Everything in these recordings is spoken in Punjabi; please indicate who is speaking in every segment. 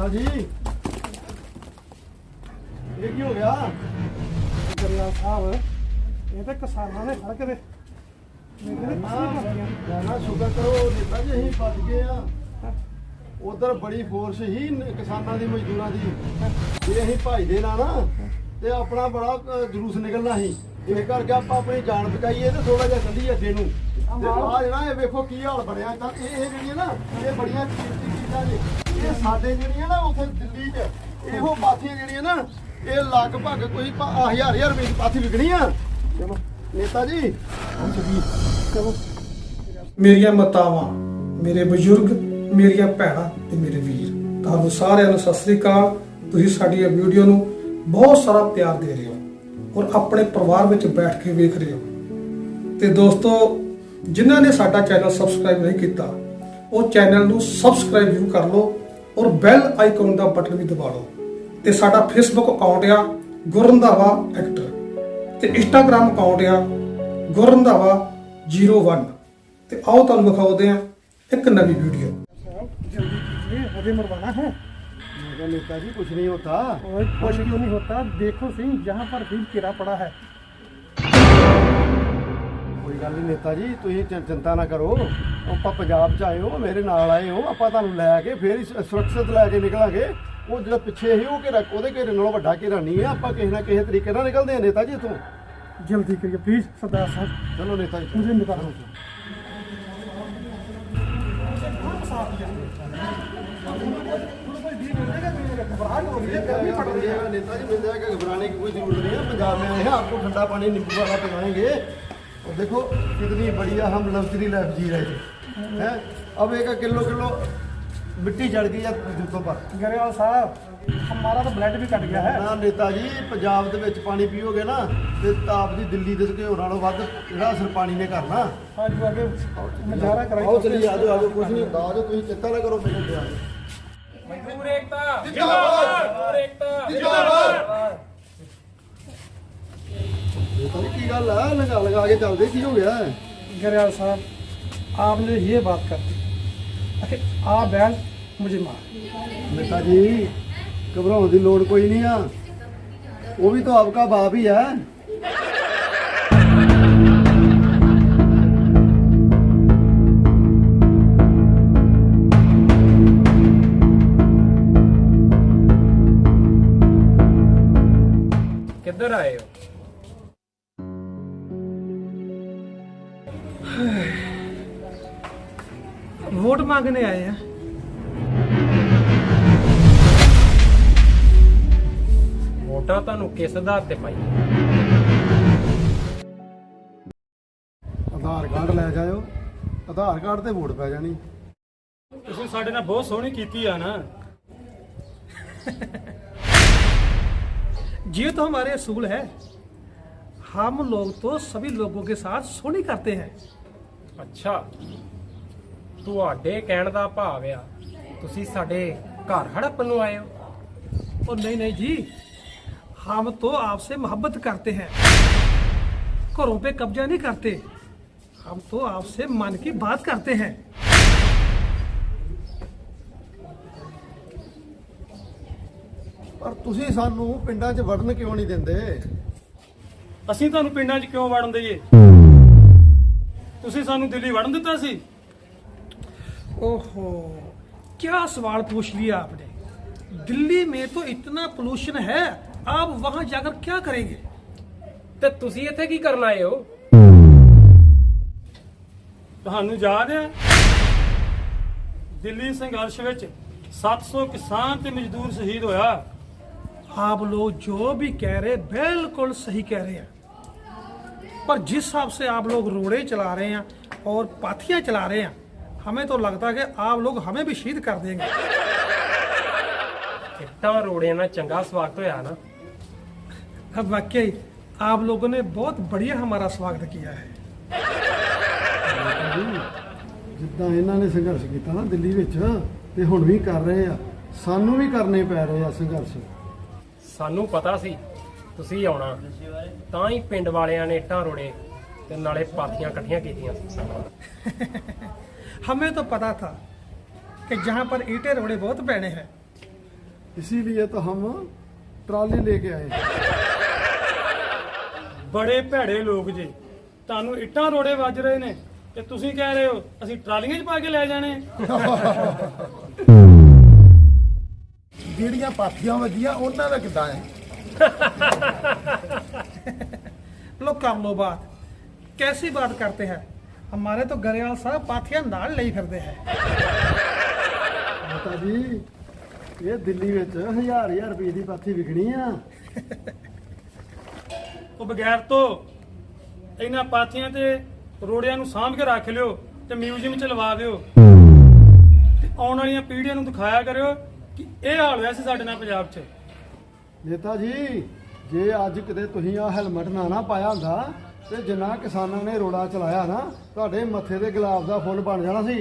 Speaker 1: नेता जी ये की हो गया
Speaker 2: ਜਰਨੈਲ ਸਾਹਿਬ ਇਹ ਤਾਂ ਕਿਸਾਨਾਂ ਨੇ ਖੜ ਕੇ
Speaker 1: ना शुक्र करो नेता जी अं बच गए उधर बड़ी फोर्स ही किसानों की मजदूरों की जे अं भजदे ना तो अपना बड़ा जुलूस निकलना ही इस करके आप अपनी जान बचाइए तो थोड़ा जहा चलीए अगे नूं आ जरा ये वेखो की हाल बनया ना ये बड़िया कीमती चीज़ां ने ये साडे जिहड़ियां ना उत्थे दिल्ली च इहो पाथियां जिहड़ियां ना ये लगभग कोई हज़ार रुपए की पाथी विकनी आ चलो नेता जी
Speaker 2: ਚਲੋ
Speaker 3: ਮੇਰੀਆਂ ਮਾਤਾਵਾਂ ਮੇਰੇ ਬਜ਼ੁਰਗ ਮੇਰੀਆਂ ਭੈਣਾਂ ਤੇ ਮੇਰੇ ਵੀਰ ਤੁਹਾਨੂੰ ਸਾਰਿਆਂ ਨੂੰ ਸਤਿ ਸ੍ਰੀ ਅਕਾਲ। ਤੁਸੀਂ ਸਾਡੀ ਇਹ ਵੀਡੀਓ ਨੂੰ ਬਹੁਤ ਸਾਰਾ ਪਿਆਰ ਦੇ ਰਹੇ ਹੋ ਔਰ ਆਪਣੇ ਪਰਿਵਾਰ ਵਿੱਚ ਬੈਠ ਕੇ ਵੇਖ ਰਹੇ ਹੋ। ਤੇ ਦੋਸਤੋ ਜਿਨ੍ਹਾਂ ਨੇ ਸਾਡਾ ਚੈਨਲ ਸਬਸਕ੍ਰਾਈਬ ਨਹੀਂ ਕੀਤਾ ਉਹ ਚੈਨਲ ਨੂੰ ਸਬਸਕ੍ਰਾਈਬ ਜ਼ਰੂਰ ਕਰ ਲਓ ਔਰ ਬੈਲ ਆਈਕਨ ਦਾ ਬਟਨ ਵੀ ਦਬਾ ਲਓ। ਤੇ ਸਾਡਾ ਫੇਸਬੁੱਕ ਅਕਾਊਂਟ ਆ ਗੁਰਰੰਧਾਵਾ ਐਕਟਰ ਤੇ ਇੰਸਟਾਗ੍ਰਾਮ ਅਕਾਊਂਟ ਆ ਗੁਰਰੰਧਾਵਾ 01 ਤੇ ਆਓ ਤੁਹਾਨੂੰ ਦਿਖਾਉਂਦੇ ਆ ਇੱਕ ਨਵੀਂ ਵੀਡੀਓ।
Speaker 2: जल्दी कीजिए अभी मरवाना है
Speaker 1: मेरा नेता जी कुछ नहीं होता
Speaker 2: और कुछ क्यों नहीं होता देखो सही जहाँ पर भी कीड़ा पड़ा है
Speaker 1: ਕੋਈ ਗੱਲ ਨਹੀਂ ਨੇਤਾ ਜੀ ਤੁਸੀਂ ਚਿੰਤਾ ਨਾ ਕਰੋ ਆਪਾਂ ਪੰਜਾਬ ਚ ਆਏ ਹੋ ਮੇਰੇ ਨਾਲ ਆਏ ਹੋ ਆਪਾਂ ਤੁਹਾਨੂੰ ਲੈ ਕੇ ਫੇਰ ਸੁਰੱਖਿਅਤ ਲੈ ਕੇ ਨਿਕਲਾਂਗੇ ਉਹ ਜਿਹੜਾ ਪਿੱਛੇ ਸੀ ਉਹ ਘੇਰਾ ਉਹਦੇ ਘੇਰੇ ਨਾਲੋਂ ਵੱਡਾ ਘੇਰਾ ਨਹੀਂ ਹੈ ਆਪਾਂ ਕਿਸੇ ਨਾ ਕਿਸੇ ਤਰੀਕੇ ਨਾਲ ਨਿਕਲਦੇ ਹਾਂ ਨੇਤਾ ਜੀ ਇੱਥੋਂ
Speaker 2: जल्दी करिए प्लीज सरदार साहब
Speaker 1: ਚਲੋ ਨੇਤਾ ਜੀ
Speaker 2: मुझे निकालो
Speaker 1: नेता जी मिल जाएगा घबराने की कोई जरूरत नहीं है पंजाब में आए हैं आपको ठंडा पानी नींबू वाला पिलाएंगे और देखो कितनी बढ़िया हम लग्जरी लाइफ जी रहे थे हैं अब एक किलो किलो मिट्टी चढ़ गई है जूतों पर
Speaker 2: गरेवाल साहब हमारा तो ब्लड भी कट गया है
Speaker 1: ਨਾ ਨੇਤਾ ਜੀ ਪੰਜਾਬ ਦੇ ਵਿੱਚ ਪਾਣੀ ਪੀਓਗੇ ਨਾ ਤੇ ਤਾਪ ਦੀ ਦਿੱਲੀ ਦੇ ਘਿਓ ਨਾਲੋਂ ਵੱਧ ਜਿਹੜਾ ਅਸਰ ਪਾਣੀ ਨੇ ਕਰਨਾ
Speaker 2: आज वो आगे नजारा कराइए
Speaker 1: ਆਓ ਚਲੀ ਆਜੋ ਆਜੋ ਕੁਝ ਨਹੀਂ ਹੁੰਦਾ ਆਜੋ ਤੁਸੀਂ ਚਿੰਤਾ ਨਾ ਕਰੋ ਮੇਰੇ ਤੇ
Speaker 4: ਮਜ਼ਦੂਰ ਏਕਤਾ ਜਿੰਦਾਬਾਦ ਮਜ਼ਦੂਰ ਏਕਤਾ ਜਿੰਦਾਬਾਦ
Speaker 1: ਨੇਤਾ ਜੀ ਕੀ ਗੱਲ ਆ ਲਗਾ ਕੇ ਚੱਲਦੇ ਕੀ ਹੋ ਗਿਆ
Speaker 2: गरेवाल साहब आपने ये बात कर दी अरे आप बैल मुझे मार
Speaker 1: ਨੇਤਾ ਜੀ घबराने की लोड़ कोई नहीं है वो भी तो आपका बाप ही है
Speaker 4: ਕਿੱਧਰ ਆਏ ਹੋ
Speaker 2: वोट मांगने आए हैं
Speaker 4: ਵੋਟਾਂ ਤੁਹਾਨੂੰ ਕਿਸ ਆਧਾਰ ਤੇ ਪਾਈ
Speaker 1: ਆਧਾਰ ਕਾਰਡ ਲੈ ਜਾਇਓ ਆਧਾਰ ਕਾਰਡ ਤੇ ਵੋਟ ਪੈ ਜਾਣੀ
Speaker 2: ਤੁਸੀਂ ਸਾਡੇ ਨਾਲ ਬਹੁਤ ਸੋਹਣੀ ਕੀਤੀ ਆ ना ये तो हमारे असूल है हम लोग तो सभी लोगों के साथ सोनी करते हैं
Speaker 4: ਅੱਛਾ ਤੁਹਾਡੇ ਕਹਿਣ ਦਾ ਭਾਵ ਆ ਤੁਸੀਂ ਸਾਡੇ ਘਰ ਹੜੱਪਣ ਨੂੰ ਆਏ ਹੋ
Speaker 2: और नहीं नहीं जी हम तो आपसे मोहब्बत करते हैं घरों पे कब्जा नहीं करते हम तो आपसे मन की बात करते हैं
Speaker 1: ਪਰ ਤੁਸੀਂ ਸਾਨੂੰ ਪਿੰਡਾਂ 'ਚ ਵੜਨ ਕਿਉਂ ਨਹੀਂ ਦਿੰਦੇ
Speaker 5: ਅਸੀਂ ਤੁਹਾਨੂੰ ਪਿੰਡਾਂ 'ਚ ਕਿਉਂ ਵੜਨ ਦਈਏ ਤੁਸੀਂ ਸਾਨੂੰ ਦਿੱਲੀ ਵੜਨ ਦਿੱਤਾ ਸੀ
Speaker 2: ओहो क्या सवाल पूछ लिया आपने दिल्ली में तो इतना पोल्यूशन है आप वहां जाकर क्या करेंगे
Speaker 4: ਤੇ ਤੁਸੀਂ ਇੱਥੇ ਕੀ ਕਰਨ ਆਏ ਹੋ
Speaker 5: ਤੁਹਾਨੂੰ ਯਾਦ ਹੈ ਦਿੱਲੀ ਸੰਘਰਸ਼ ਵਿੱਚ 700 ਕਿਸਾਨ ਤੇ ਮਜ਼ਦੂਰ ਸ਼ਹੀਦ ਹੋਇਆ
Speaker 2: आप लोग जो भी कह रहे बिल्कुल सही कह रहे हैं पर जिस हिसाब से आप लोग रोड़े चला रहे हैं और पाथियां चला रहे हैं हमें तो लगता है कि आप लोग हमें भी शहीद कर देंगे
Speaker 4: ਇੱਟਾਂ ਰੋੜਿਆਂ ਨਾਲ ਚੰਗਾ ਸਵਾਗਤ ਹੋਇਆ ਨਾ
Speaker 2: अब वाकई आप लोगों ने बहुत बढ़िया हमारा स्वागत किया है
Speaker 1: ਜਿੱਦਾਂ ਇਹਨਾਂ ਨੇ ਸੰਘਰਸ਼ ਕੀਤਾ ਨਾ ਦਿੱਲੀ ਵਿੱਚ ਤੇ ਹੁਣ ਵੀ ਕਰ ਰਹੇ ਆ ਸਾਨੂੰ ਵੀ ਕਰਨੇ ਪੈ ਰਹੇ ਆ ਸੰਘਰਸ਼
Speaker 4: ਸਾਨੂੰ ਪਤਾ ਸੀ ਤੁਸੀਂ ਆਉਣਾ ਤਾਂ ਹੀ ਪਿੰਡ ਵਾਲਿਆਂ ਨੇ ਇੱਟਾਂ ਰੋੜੇ ਤੇ ਨਾਲੇ ਪਾਥੀਆਂ ਇਕੱਠੀਆਂ ਕੀਤੀਆਂ
Speaker 2: हमें तो पता था कि जहाँ पर ईंटें रोड़े बहुत पैने हैं
Speaker 1: इसीलिए तो हम ट्रॉली लेके आए।
Speaker 5: ਬੜੇ ਭੈੜੇ ਲੋਕ ਜੇ, ਤੁਹਾਨੂੰ ਇੱਟਾਂ ਰੋੜੇ ਵੱਜ ਰਹੇ ਨੇ ਤੇ ਤੁਸੀਂ ਕਹਿ ਰਹੇ ਹੋ ਅਸੀਂ ਟਰਾਲੀਆਂ 'ਚ ਪਾ ਕੇ ਲੈ ਜਾਣੇ।
Speaker 1: ਜਿਹੜੀਆਂ ਪਾਥੀਆਂ ਵੱਜੀਆਂ ਉਹਨਾਂ ਦਾ ਕਿੱਦਾਂ ਹੈ?
Speaker 2: लो कर लो बात, कैसी बात करते हैं? हमारे तो गरेवाल साहब पाथियां नाल ले फिरते हैं।
Speaker 1: ਮਾਤਾ ਜੀ ਇਹ ਦਿੱਲੀ ਵਿੱਚ 1000 ਰੁਪਏ ਦੀ ਪਾਥੀ ਵਿਕਣੀ ਆ।
Speaker 5: ਉਹ ਬਗੈਰ ਤੋਂ ਇਹਨਾਂ ਪਾਥੀਆਂ ਤੇ ਰੋੜਿਆਂ ਨੂੰ ਸਾਂਭ ਕੇ ਰੱਖ ਲਿਓ ਤੇ ਮਿਊਜ਼ੀਅਮ 'ਚ ਲਵਾ ਦਿਓ ਤੇ ਆਉਣ ਵਾਲੀਆਂ ਪੀੜ੍ਹੀਆਂ ਨੂੰ ਦਿਖਾਇਆ ਕਰਿਓ ਕਿ ਇਹ ਹਾਲ ਹੋਇਆ ਸੀ ਸਾਡੇ ਨਾਲ ਪੰਜਾਬ 'ਚ।
Speaker 1: ਨੇਤਾ ਜੀ ਜੇ ਅੱਜ ਕਿਤੇ ਤੁਸੀਂ ਆ ਹੈਲਮਟ ਨਾ ਪਾਇਆ ਹੁੰਦਾ ਤੇ ਜਿੰਨਾ ਕਿਸਾਨਾਂ ਨੇ ਰੋੜਾ ਚਲਾਇਆ ਨਾ ਤੁਹਾਡੇ ਮੱਥੇ ਤੇ ਗੁਲਾਬ ਦਾ ਫੁੱਲ ਬਣ ਜਾਣਾ ਸੀ।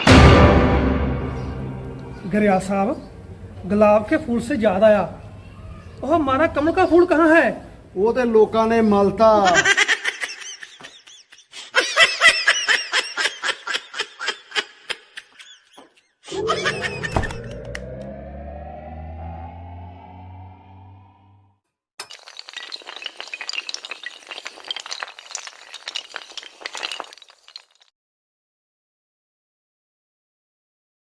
Speaker 2: गरेवाल साहब, गुलाब के फूल से याद आया, वो हमारा कमल का फूल कहाँ है?
Speaker 1: ਉਹ ਤੇ ਲੋਕਾਂ ਨੇ ਮਲਤਾ